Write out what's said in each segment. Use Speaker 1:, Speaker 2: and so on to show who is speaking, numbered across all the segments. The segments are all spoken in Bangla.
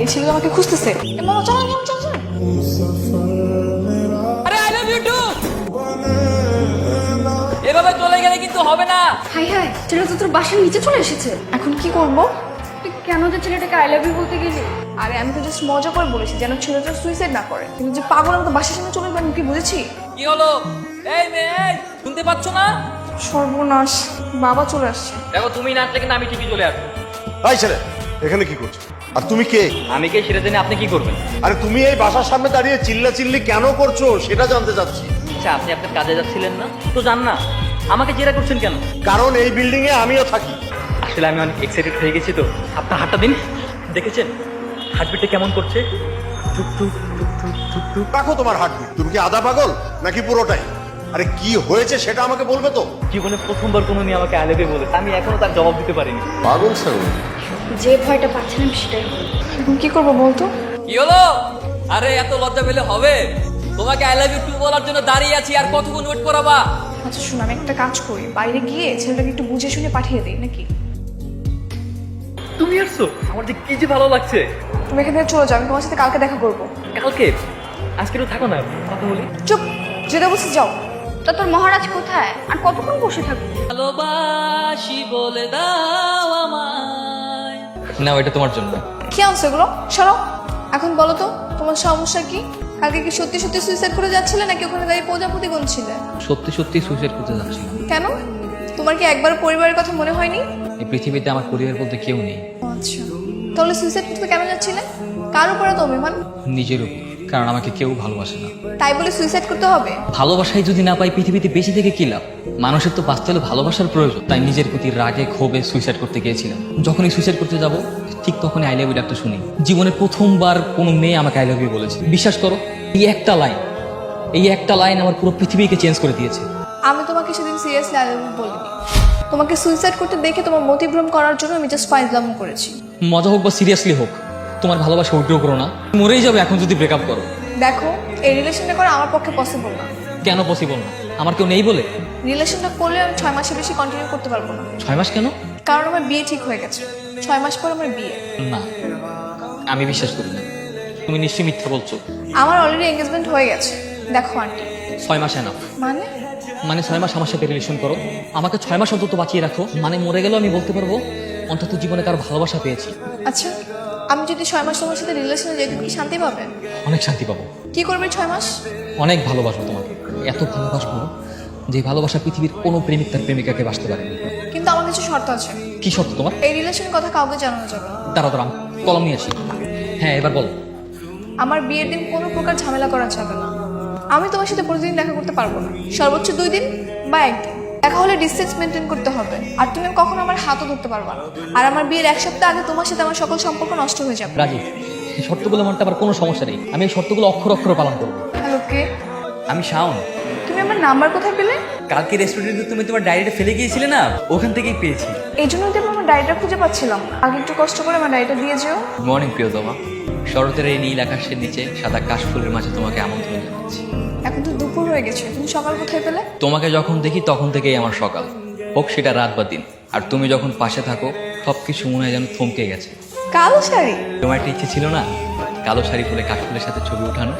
Speaker 1: ছেলে আমাকে খুঁজতেছে। মামা চলো চলো চলো চলো।
Speaker 2: আরে আই লাভ ইউ টু। এভাবে চলে গেলে কিন্তু হবে না।
Speaker 3: হাই হাই, ছেলেটা তো তোর বাসার নিচে চলে এসেছে।
Speaker 1: এখন কি করব?
Speaker 3: তুই কেন যে ছেলেটাকে আই লাভ ইউ বলতে গেলি?
Speaker 1: আরে আমি তো জাস্ট মজা করে বলেছি যেন ছেলেটা সুইসাইড না করে, কিন্তু যে পাগল আমি তো বাসার সামনে চলে যাবেন কি বুঝেছি?
Speaker 2: কি হলো? এই মেয়ে, এই, শুনতে পাচ্ছ না?
Speaker 1: সর্বনাশ, বাবা চলে আসছে।
Speaker 2: দেখো তুমি না আসলে কিন্তু আমি ঠিকই চলে আসবো।
Speaker 4: এই ছেলে, এখানে কি করছো? আর তুমি কে?
Speaker 2: আমি কে সেটা জেনে আপনি কি করবেন?
Speaker 4: আরে তুমি এই বাসার সামনে দাঁড়িয়ে চিল্লাচিল্লি কেন করছো সেটা জানতে চাচ্ছি।
Speaker 2: আচ্ছা, আপনি আপনার কাজে যাচ্ছিলেন না তো যান না, আমাকে জেরা করছেন কেন?
Speaker 4: কারণ এই বিল্ডিং এ আমিও থাকি।
Speaker 2: আসলে আমি অনেক এক্সাইটেড হয়ে গেছি তো। আপনার হাতটা দিন, দেখেছেন হার্টবিটটা কেমন করছে? টুক টুক টুক টুক টুক টুক।
Speaker 4: রাখো তোমার হার্টবিট। তুমি কি আধা পাগল নাকি পুরোটাই? আরে কি হয়েছে সেটা আমাকে বলবে তো?
Speaker 2: জীবনে প্রথমবার কোনো মেয়ে আমাকে আলেবে বলেছে, আমি এখনো তার জবাব দিতে পারিনি।
Speaker 4: পাগল ছাগল।
Speaker 3: যে ভয়টা পাচ্ছিলাম সেটাই হলো।
Speaker 1: এখন কি করবো বলতো?
Speaker 2: কি হলো? আরে এত লজ্জা পেলে হবে? তোমাকে আই লাভ ইউ টু বলার জন্য দাঁড়িয়ে আছি, আর কতক্ষণ ওয়েট করাবা?
Speaker 1: আচ্ছা শোন, আমি একটা কাজ করি, বাইরে গিয়ে ছেলেটাকে একটু বুঝে শুনে পাঠিয়ে দিই নাকি?
Speaker 2: তুমি আসছো? আমার যে কি যে ভালো লাগছে।
Speaker 1: তুমি এখান থেকে চলে যাও, আমি তোমার সাথে কালকে দেখা করবো।
Speaker 2: কালকে? আজকে তো থাকো না, কথা বলি।
Speaker 1: চুপ, যেটা বলছি যাও।
Speaker 3: তা তোর মহারাজ কোথায়? আর কতক্ষণ বসে থাকবো?
Speaker 2: ভালোবাসি বলে দাও আমায়। না, এটা তোমার জন্য।
Speaker 1: কি আনছো এগুলো? সরো। এখন বলো তো তোমার সমস্যা কি? কালকে কি সত্যি সত্যি সুইসাইড করে যাচ্ছিলে নাকি ওখানে দাঁড়িয়ে প্রজাপতি গুনছিলে?
Speaker 2: সত্যি সত্যি সুইসাইড করতে যাচ্ছিলাম।
Speaker 1: কেন? তোমার কি একবার পরিবারের কথা মনে হয়নি?
Speaker 2: এই পৃথিবীতে আমার পরিবার বলতে কেউ নেই।
Speaker 1: আচ্ছা, তাহলে সুইসাইড করতে কেন যাচ্ছিলে? কার উপরে তো অভিমান?
Speaker 2: নিজের উপর, কারণ আমাকে কেউ ভালোবাসে না।
Speaker 1: তাই বলে সুইসাইড করতে হবে?
Speaker 2: ভালোবাসাই যদি না পাই পৃথিবীতে বেঁচে থেকে কি লাভ? মানুষের তো বাঁচতে হলে ভালোবাসার প্রয়োজন। তাই নিজের প্রতি রাগে ক্ষোভে সুইসাইড করতে গিয়েছিলাম। যখনই সুইসাইড করতে যাব ঠিক তখনই আই লাভ ইউ ডাকটা শুনি। জীবনে প্রথমবার কোনো মেয়ে আমাকে আই লাভ ইউ বলেছে। বিশ্বাস করো, এই একটা লাইন আমার পুরো পৃথিবীকে চেঞ্জ করে দিয়েছে।
Speaker 1: আমি তোমাকে সেদিন সিরিয়াসলি আই লাভ ইউ বলিনি। তোমাকে সুইসাইড করতে দেখে তোমার মতিভ্রম করার জন্য আমি জাস্ট ফাইজলাম করেছি।
Speaker 2: মজা হোক বা সিরিয়াসলি হোক, তোমার ভালোবাসা উইথড্র করো না। মরেই যাবে এখন যদি ব্রেকআপ করো।
Speaker 1: দেখো, এই রিলেশনটা করা আমার পক্ষে পসিবল না।
Speaker 2: কেন পসিবল না? আমার কেউ নেই বলে?
Speaker 1: রিলেশনটা করলে আমি 6 মাসের বেশি কন্টিনিউ করতে পারবো না।
Speaker 2: 6 মাস কেন?
Speaker 1: কারণ আমার বিয়ে ঠিক হয়ে গেছে। 6 মাস পর আমার বিয়ে।
Speaker 2: না, আমি বিশ্বাস করি না। তুমি নিশ্চয়ই মিথ্যা বলছো।
Speaker 1: আমার অলরেডি এঙ্গেজমেন্ট হয়ে গেছে। দেখো আন্টি।
Speaker 2: 6 মাস এনাফ।
Speaker 1: মানে
Speaker 2: 6 মাস আমার সাথে রিলেশন করো, আমাকে 6 মাস অন্তত বাঁচিয়ে রাখো। মানে মরে গেলেও আমি বলতে পারবো অন্তত জীবনে কারো ভালোবাসা পেয়েছি।
Speaker 1: আচ্ছা, আমি যদি 6 মাস তোমার সাথে রিলেশনে যাই তুমি কি শান্তি পাবে?
Speaker 2: অনেক শান্তি পাবো।
Speaker 1: কি করবে 6 মাস?
Speaker 2: অনেক ভালোবাসবো তোমাকে, এত ভালোবাসবো যে ভালোবাসা পৃথিবীর কোনো প্রেমিক তার প্রেমিকাকে বাঁচতে পারেনি।
Speaker 1: কিন্তু আমার কিছু শর্ত আছে।
Speaker 2: কি শর্ত তোমার?
Speaker 1: এই রিলেশনের কথা কাউকে জানানো যাবে না।
Speaker 2: দাঁড়া দাঁড়া, কলম নিয়ে আসি। হ্যাঁ, এবার বলো।
Speaker 1: আমার বিয়ের দিন কোনো প্রকার ঝামেলা করা যাবে না। আমি তোমার সাথে প্রতিদিন দেখা করতে পারবো না, সর্বোচ্চ 2 দিন বা 1 দিন। দেখা হলে ডিসটেন্স মেনটেন করতে হবে। আর তুমি কখনো আমার হাতও ধরতে পারবা না। আর আমার বিয়ের 1 সপ্তাহ আগে তোমার সাথে আমার সকল সম্পর্ক নষ্ট হয়ে যাবে।
Speaker 2: রাজি, এই শর্তগুলো মানতে আমার কোনো সমস্যা নেই। আমি এই শর্তগুলো অক্ষর অক্ষর পালন করবো।
Speaker 1: হ্যালো, কে?
Speaker 2: আমি শাওন।
Speaker 1: তুমি আমার নাম্বার কোথায় পেলে?
Speaker 2: কালকে রেস্টুরেন্টে তুমি তোমার ডায়েরিটা ফেলে গিয়েছিলে না, ওখান থেকেই পেয়েছি।
Speaker 1: এই জন্যই তো আমার ডায়েরিটা খুঁজে পাচ্ছিলাম না। আগে একটু কষ্ট করে আমার ডায়েরিটা দিয়ে যেও।
Speaker 2: মর্নিং প্রিয়তমা, শরতের এই নীল আকাশের নিচে সাদা কাশফুলের মাঝে তোমাকে আমন্ত্রণ জানাচ্ছি।
Speaker 1: এখন তো দুপুর হয়ে গেছে, তুমি সকাল কোথায় পেলে?
Speaker 2: তোমাকে যখন দেখি তখন থেকেই আমার সকাল, হোক সেটা রাত বা দিন। আর তুমি যখন পাশে থাকো সবকিছু মনে হয় যেন থমকে গেছে।
Speaker 1: কালো শাড়ি?
Speaker 2: তোমার একটা ইচ্ছে ছিল না কালো শাড়ি পরে কাশফুলের সাথে ছবি ওঠানো?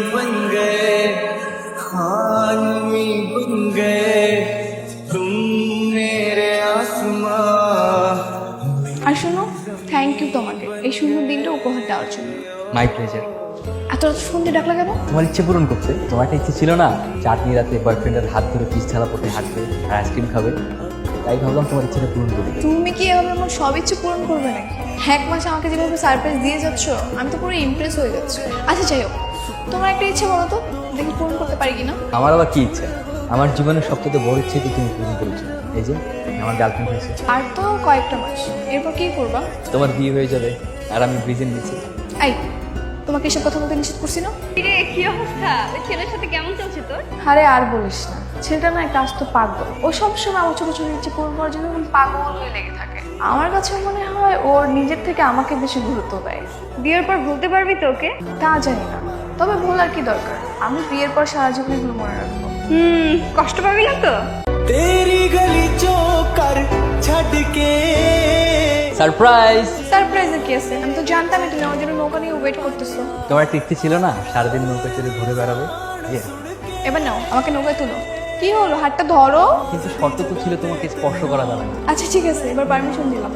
Speaker 1: আর শোনো, থ্যাংক ইউ তোমাকে এই সুন্দর দিনটা উপহার দেওয়ার জন্য।
Speaker 2: My pleasure.
Speaker 1: এত ফোন দিয়ে ডাকলা কেন?
Speaker 2: তোমার ইচ্ছে পূরণ করছে। তোমার একটা ইচ্ছে ছিল না চাটনি রাতে বয়ফ্রেন্ডের হাত ধরে পিস ছাড়া পথে হাঁটবে আর আইসক্রিম খাবে? তাই ভাবলাম তোমার ইচ্ছেটা পূরণ করি।
Speaker 1: তুমি কি এভাবে আমার সব ইচ্ছে পূরণ করবে নাকি? 1 মাসে আমাকে যেভাবে সারপ্রাইজ দিয়ে যাচ্ছ, আমি তো পুরো ইমপ্রেস হয়ে যাচ্ছি। আচ্ছা যাই হোক, তোমার একটা ইচ্ছে বলো তো, দেখি পূরণ করতে পারি কিনা।
Speaker 2: আমার আবার কি ইচ্ছা? আমার জীবনের সবথেকে বড় ইচ্ছে তো তুমি পূরণ করেছো। এই যে আমার গার্লফ্রেন্ড হয়েছে।
Speaker 1: আর তো কয়েকটা মাস, এরপর কি করবা?
Speaker 2: তোমার বিয়ে হয়ে যাবে আর আমি ব্রিজেন নিচ্ছি।
Speaker 1: এই, তোমাকে এসব কথা বলতে নিষেধ করছি না?
Speaker 3: রে, কি অবস্থা? ওই ছেলের সাথে কেমন চলছে তোর?
Speaker 1: আরে আর বলিস না, ছেলেটা না একটা আস্ত পাগল। ও সবসময় আমার ছোট ছোট ইচ্ছে পূরণ করার জন্য পাগল হয়ে লেগে থাকে। আমার কাছে মনে হয় ওর নিজের থেকে আমাকে বেশি গুরুত্ব দেয়।
Speaker 3: বিয়ের পর ভুলতে পারবি তো ওকে?
Speaker 1: তা জানি না, তবে ভুল আর কি দরকার, আমি বিয়ের পর সারা জীবন এগুলো মনে রাখবো।
Speaker 3: কষ্ট পাবি না তো?
Speaker 5: तेरी गली चो कर छड़ के
Speaker 2: সারপ্রাইজ।
Speaker 1: সারপ্রাইজের কি আছে? আমি তো জানতামই তুমি আমার জন্য নৌকা নিয়ে ওয়েট করতেছো।
Speaker 2: তোমার একটা ইচ্ছে ছিল না সারাদিন নৌকা চড়ে ঘুরে বেড়াবে?
Speaker 1: এবার নাও, আমাকে নৌকায় তুলো। কি হলো, হাতটা ধরো।
Speaker 2: কিন্তু শর্ত তো ছিল তোমাকে স্পর্শ করা যাবে না।
Speaker 1: আচ্ছা ঠিক আছে, এবার পারমিশন দিলাম।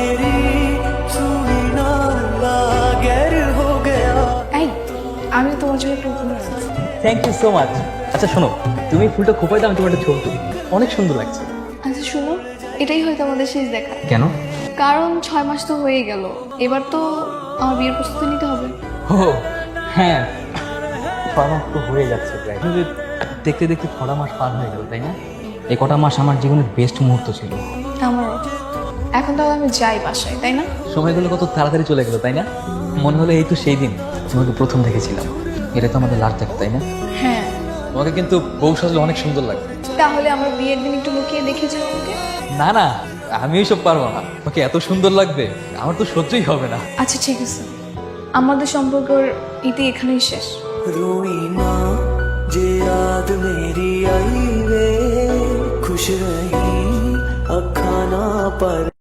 Speaker 1: এই, আমি তোমার জন্য একটা উপহার আনছি।
Speaker 2: Thank you so much. আচ্ছা শোনো, তুমি ফুলটা খোপাই দাও, আমি তোমার একটা ছবি তুলি। অনেক সুন্দর লাগছে।
Speaker 1: আচ্ছা শুনো, এটাই হয়তো আমাদের শেষ দেখা।
Speaker 2: কেন?
Speaker 1: কারণ 6 মাস তো হয়ে গেল, এবার তো আমার বিয়ের প্রস্তুতি নিতে হবে।
Speaker 2: ও হ্যাঁ, 6 মাস তো হয়ে যাচ্ছে প্রায়। কিন্তু দেখতে দেখতে 6 মাস পার হয়ে গেল, তাই না? এই কটা মাস আমার জীবনের বেস্ট মুহূর্ত ছিল।
Speaker 1: আমারও। এখন তাহলে আমি যাই বাসায়, তাই না?
Speaker 2: সময়গুলো কত তাড়াতাড়ি চলে গেল, তাই না? মনে হলো এই তো সেই দিন তোমাকে প্রথম দেখেছিলাম। এটা তো আমাদের লাস্ট দেখা, তাই না?
Speaker 1: হ্যাঁ।
Speaker 2: তোমাকে কিন্তু বউ সাজলে অনেক সুন্দর লাগে।
Speaker 1: তাহলে আমার বিয়ের দিন একটু লুকিয়ে দেখে যাও আমাকে।
Speaker 2: না না, আমি এইসব পারবো না। তোমাকে এত সুন্দর লাগবে আমার তো সহ্যই হবে না।
Speaker 1: আচ্ছা ঠিক আছে, আমাদের সম্পর্কের ইতি এখানেই শেষ।
Speaker 5: रोई ना जे याद मेरी आई वे खुश रही अखा ना पर